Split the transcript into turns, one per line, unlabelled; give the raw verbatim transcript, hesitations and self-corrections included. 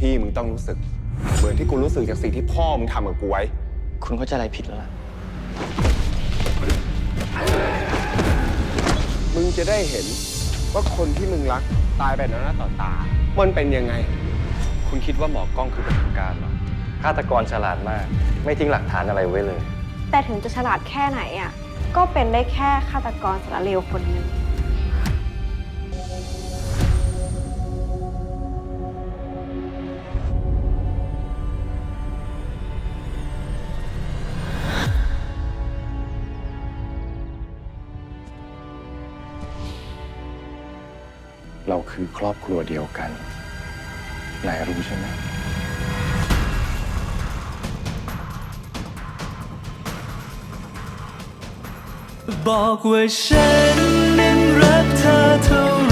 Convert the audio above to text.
พี่มึงต้องรู้สึกเหมือนที่กูรู้สึกจากสิ่งที่พ่อมึงทำกับกูไว้
คุณเข้าใจอะไรผิดแล้วล่ะ
มึงจะได้เห็นว่าคนที่มึงรักตายไปต่อหน้าต่อตามันเป็นยังไง
คุณคิดว่าหมอกล้องคือประสบการณ์เหรอฆาตกรฉลาดมากไม่ทิ้งหลักฐานอะไรไว้เลย
แต่ถึงจะฉลาดแค่ไหนอ่ะก็เป็นได้แค่ฆาตกรสารเลวคนหนึ่ง
เราคือครอบครัวเดียวกันนายรู้ใช่ไหม
บอกว่าฉันนั้นรักเธอเท่าไร